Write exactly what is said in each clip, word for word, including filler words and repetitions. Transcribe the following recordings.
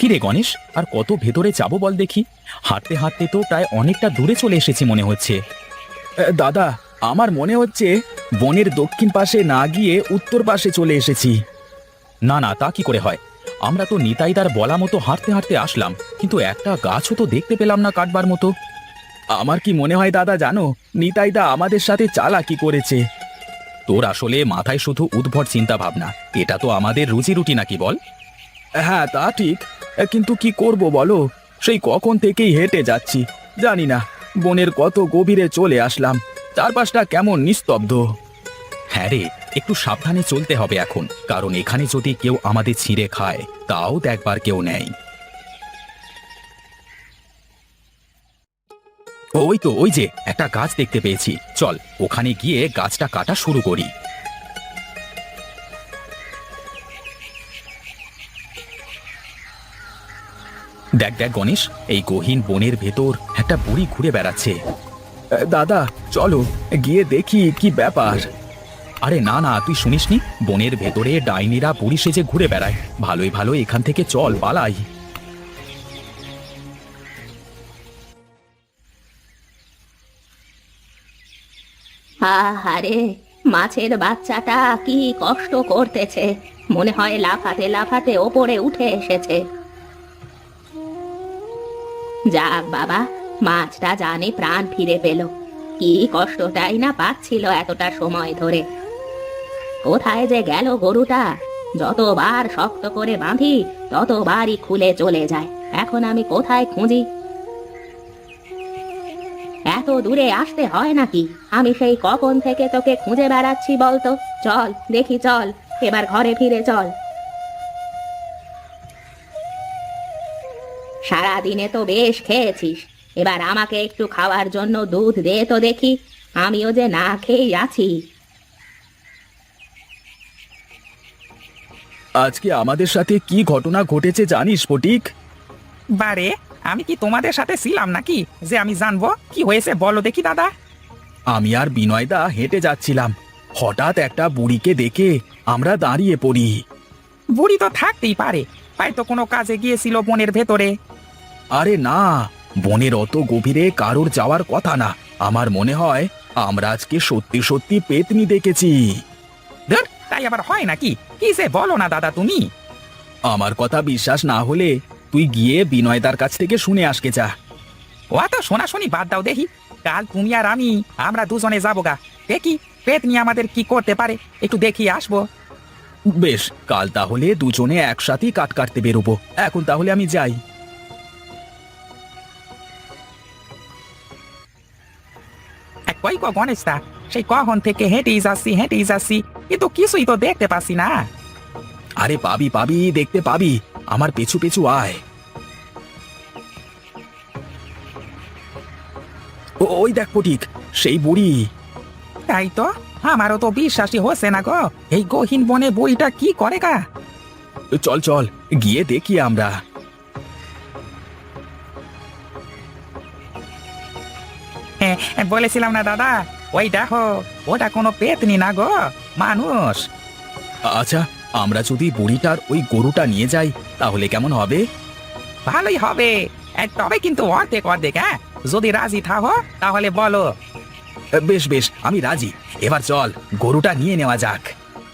কিরে গণেশ, আর কত ভেতরে যাবো বল দেখি? হাঁটতে হাঁটতে তো প্রায় অনেকটা দূরে চলে এসেছি মনে হচ্ছে। দাদা, আমার মনে হচ্ছে বনের দক্ষিণ পাশে না গিয়ে উত্তর পাশে চলে এসেছি। না না, তা কি করে হয়? আমরা তো নিতাইদার বলা মতো হাঁটতে হাঁটতে আসলাম, কিন্তু একটা গাছও তো দেখতে পেলাম না কাটবার মতো। আমার কি মনে হয় দাদা জানো, নিতাইদা আমাদের সাথে চালাকি করেছে। তোর আসলে মাথায় শুধু উদ্ভট চিন্তা ভাবনা, এটা তো আমাদের রুজি রুটি নাকি বল? হ্যাঁ তা ঠিক, কিন্তু কি করব বলো, সেই কখন থেকেই হেঁটে যাচ্ছি, জানি না বনের কত গভীরে চলে আসলাম, চারপাশটা কেমন নিস্তব্ধ। হ্যাঁ রে, একটু সাবধানে চলতে হবে এখন, কারণ এখানে যদি কেউ আমাদের ছিঁড়ে খায় তাও দেখবার কেউ নেই। ওই তো, ওই যে একটা গাছ দেখতে পেয়েছি, চল ওখানে গিয়ে গাছটা কাটা শুরু করি। দেখ দেখ গণেশ, এই গহীন বনের ভেতর একটা বুড়ি ঘুরে বেড়াচ্ছে। দাদা চলো গিয়ে দেখি কি ব্যাপার। আরে না না, তুই শুনিসনি? বনের ভেতরে ডাইনিরা বুড়ি সেজে ঘুরে বেড়ায়, ভালোই ভালো এখান থেকে চল পালাই। আহারে, মাছের বাচ্চাটা কি কষ্ট করতেছে, মনে হয় লাফাতে লাফাতে ওপরে উঠে এসেছে। যাক বাবা, মাছটা জানে প্রাণ ফিরে পেল। কি কষ্টটাই না পাচ্ছিল এতটা সময় ধরে। কোথায় যে গেল গরুটা? যতবার শক্ত করে বাঁধি ততবারই খুলে চলে যায়, এখন আমি কোথায় খুঁজি? এত দূরে আসতে হয় নাকি? আমি সেই কখন থেকে তোকে খুঁজে বেড়াচ্ছি বলতো। চল দেখি, চল এবার ঘরে ফিরে চল। সারাদিনে তো বেশ খেয়েছিস, এবার আমাকে একটু খাওয়ার জন্য দুধ দে তো দেখি, আমিও যে না খেয়েই আছি। আজকে আমাদের সাথে কি ঘটনা ঘটেছে জানিস ফটিক? বারে, আমি কি তোমাদের সাথে ছিলাম নাকি যে আমি জানবো কি হয়েছে? বলো দেখি দাদা। আমি আর বিনয়দা হেঁটে যাচ্ছিলাম, হঠাৎ একটা বুড়িকে দেখে আমরা দাঁড়িয়ে পড়ি। বুড়ি তো থাকতেই পারে, হয়তো কোনো কাজে গিয়েছিল বনের ভেতরে। আরে না, বনের অত গভীরে কারোর যাওয়ার কথা না, আমার মনে হয় আমরা আজকে সত্যি সত্যি পেতনি দেখেছি। ধুর, তাই আবার হয় নাকি? কি যে বলো না দাদা তুমি। আমার কথা বিশ্বাস না হলে তুই গিয়ে বিনয়দার কাছ থেকে শুনে আসকে যা। ও তো শোনাশুনি বাদ দাও দেখি, কাল তুমি আর আমি আমরা দুজনে যাবো গা, দেখি পেতনি আমাদের কি করতে পারে, একটু দেখি আসবো। বেশ, কাল তাহলে দুজনে একসাথেই কাট কাটতে বেরোবো। এখন তাহলে আমি যাই। এক কই গো গণেশদা, সেই কখন থেকে হেঁটেই যাচ্ছি হেঁটেই যাচ্ছি, কিন্তু কিছুই তো দেখতে পাচ্ছি না। আরে পাবি পাবি, দেখতে পাবি, আমার পেছু পেছু আয়। ও ওই দেখ ফটিক, সেই বুড়ি। তাই তো, আমারও তো বিশ্বাসই হচ্ছে না গো, এই গহীন বনে বইটা কি করে গা। চল চল গিয়ে দেখি আমরা। হ্যাঁ, বলেছিলাম না দাদা, ওই দেখো, ওটা কোনো পেতনি না গো, মানুষ। আচ্ছা, আমরা যদি বুড়িটার ওই গরুটা নিয়ে যাই তাহলে কেমন হবে? ভালোই হবে, এ, তবে কিন্তু অর্ধেক অর্ধেক। হ্যাঁ, যদি রাজি থাকো তাহলে বলো। বেশ বেশ, আমি রাজি। এবার চল গরুটা নিয়ে নেওয়া যাক।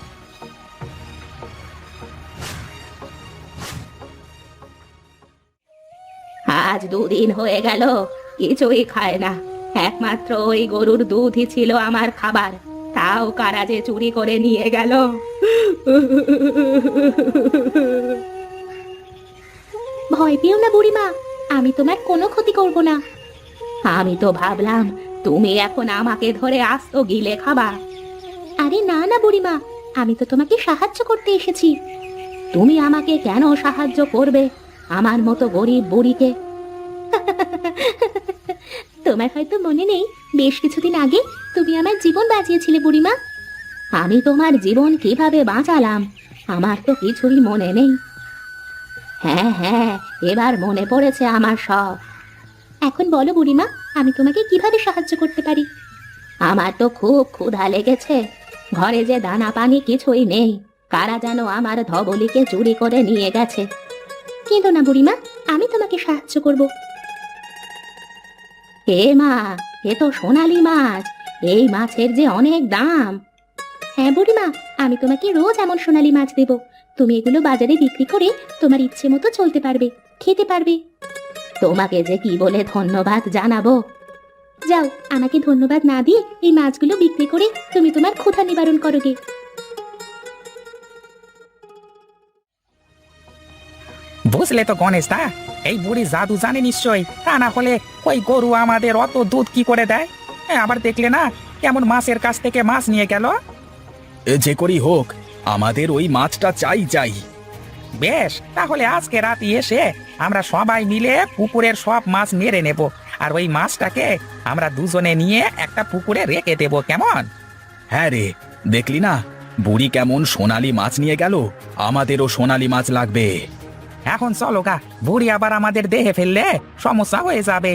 আজ দুদিন হয়ে গেল কিছুই খায় না, একমাত্র ওই গরুর দুধই ছিল আমার খাবার, তাও কারা যে চুরি করে নিয়ে গেল। ভয় পেও না বুড়িমা, আমি তোমার কোনো ক্ষতি করব না। আমি তো ভাবলাম তুমি এখন আমাকে ধরে আস্ত গিলে খাবা। আরে না না বুড়িমা, আমি তো তোমাকে সাহায্য করতে এসেছি। তুমি আমাকে কেন সাহায্য করবে, আমার মতো গরিব বুড়িকে? তোমার হয়তো মনে নেই, বেশ কিছুদিন আগে তুমি আমার জীবন বাঁচিয়েছিলে বুড়িমা। আমি তোমার জীবন কিভাবে বাঁচালাম আমার তো কিছুই মনে নেই। হ্যাঁ হ্যাঁ, এবার মনে পড়েছে আমার সব। এখন বলো বুড়িমা, আমি তোমাকে কিভাবে সাহায্য করতে পারি? আমার তো খুব ক্ষুধা লেগেছে, ঘরে যে দানা পানি কিছুই নেই, কারা যেন আমার ধবলিকে চুরি করে নিয়ে গেছে। কেঁদো না বুড়িমা, আমি তোমাকে সাহায্য করব। হে মা, এ তো সোনালী মাছ, এই মাছের যে অনেক দাম। হ্যাঁ বুড়িমা, আমি তোমাকে রোজ এমন সোনালী মাছ দেব। তুমি এগুলো বাজারে বিক্রি করে তোমার ইচ্ছে মতো চলতে পারবে, খেতে পারবে। তোমাকে যে কি বলে ধন্যবাদ জানাবো। যাও, আমাকে ধন্যবাদ না দিয়ে এই মাছগুলো বিক্রি করে তুমি তোমার ক্ষুধা নিবারণ করো গে। বুঝলে তো গণেশ দা, এই বুড়ি জাদু জানে নিশ্চয়ই, তা না হলে ওই গরু আমাদের অত দুধ কি করে দেয়? হ্যাঁ, আবার দেখলে না কেমন মাছের কাছ থেকে মাছ নিয়ে গেল। এ যে করেই হোক, আমাদের ওই মাছটা চাই চাই। বেশ, তাহলে আজকে রাতে এসে আমরা সবাই মিলে পুকুরের সব মাছ মেরে নেব, আর ওই মাছটাকে আমরা দুজনে নিয়ে একটা পুকুরে রেখে দেব, কেমন? হ্যাঁ রে, দেখলি না বুড়ি কেমন সোনালী মাছ নিয়ে গেল, আমাদেরও সোনালী মাছ লাগবে। এখন চলো গা, বুড়ি আবার আমাদের দেহে ফেললে সমস্যা হয়ে যাবে।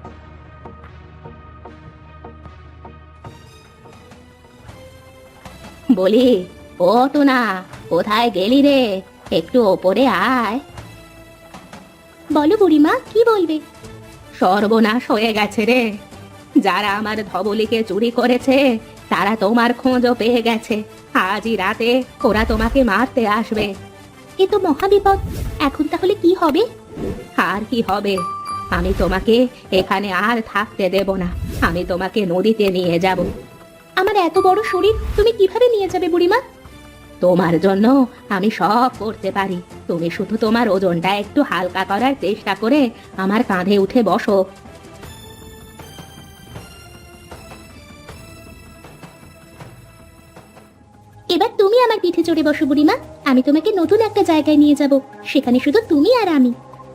বলি, ও তো না, কোথায় গেলি রে? একটু ওপরে আয়। বলো বুড়িমা, কি বলবে? সর্বনাশ হয়ে গেছে রে, যারা আমার ধবলিকে চুরি করেছে তারা তোমার খোঁজও পেয়ে গেছে। আজই রাতে ওরা তোমাকে মারতে আসবে। এ তো মহাবিপদ, এখন তাহলে কি হবে? আর কি হবে, আমি তোমাকে এখানে আর থাকতে দেব না, আমি তোমাকে নদীতে নিয়ে যাব। আমার এত বড় শরীর তুমি কিভাবে নিয়ে যাবে বুড়িমা? তোমার জন্য আমি সব করতে পারি, তুমি শুধু তোমার ওজনটা একটু হালকা করার চেষ্টা করে আমার কাঁধে উঠে বসো। এবার তুমি আমার পিঠে চড়ে বসো বুড়িমা, আমি তোমাকে নতুন একটা জায়গায় নিয়ে যাব, সেখানে শুধু তুমি আর আমি।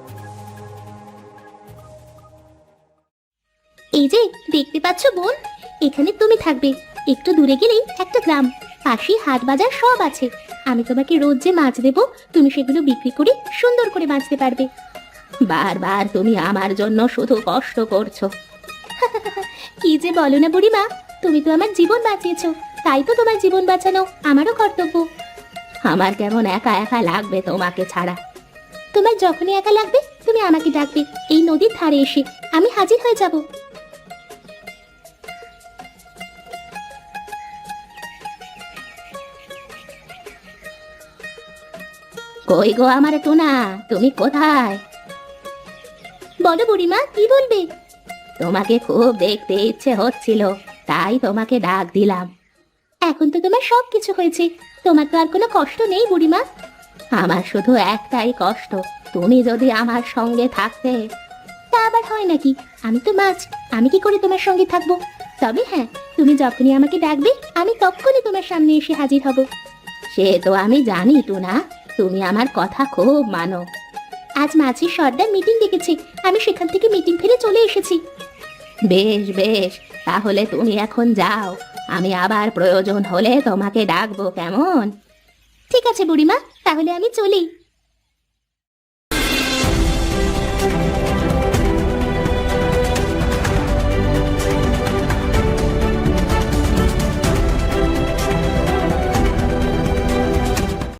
এই যে দেখতে পাচ্ছ বোন, এখানে তুমি থাকবে। একটু দূরে গেলেই একটা গ্রাম, পাশেই হাট বাজার সব আছে। আমি তোমাকে রোজ যে মাছ দেব, তুমি সেগুলো বিক্রি করে সুন্দর করে বাঁচতে পারবে। বারবার তুমি আমার জন্য শুধু কষ্ট করছো। কি যে বলো না বুড়িমা, তুমি তো আমার জীবন বাঁচিয়েছো, তাই তো তোমার জীবন বাঁচানো আমারও কর্তব্য। আমার কেমন একা একা লাগবে তোমাকে ছাড়া। তোমার যখনই একা লাগবে তুমি আমাকে ডাকবে, এই নদীর ধারে এসে আমি হাজির হয়ে যাব। কই গো আমার টোনা, তুমি কোথায়? বলো বুড়িমা, কি বলবে? তোমাকে খুব দেখতে ইচ্ছে হচ্ছিল, তাই তোমাকে ডাক দিলাম। এখন তো তোমার সব কিছু হয়েছে, তোমার তো আর কোনো কষ্ট নেই বুড়িমা। আমার শুধু একটাই কষ্ট, তুমি যদি আমার সঙ্গে থাকতে। তা আবার হয় নাকি? আমি তো মাছ, আমি কি করে তোমার সঙ্গে থাকবো? তবে হ্যাঁ, তুমি যখনই আমাকে ডাকবে আমি তখনই তোমার সামনে এসে হাজির হব। সে তো আমি জানি টুনা, তুমি আমার কথা খুব মানো। আজ মাঝির সর্দার মিটিং ডেকেছে, আমি সেখান থেকে মিটিং ফিরে চলে এসেছি। বেশ বেশ, তাহলে তুমি এখন যাও, আমি আবার প্রয়োজন হলে তোমাকে ডাকবো, কেমন? ঠিক আছে বুড়িমা, তাহলে আমি চলি।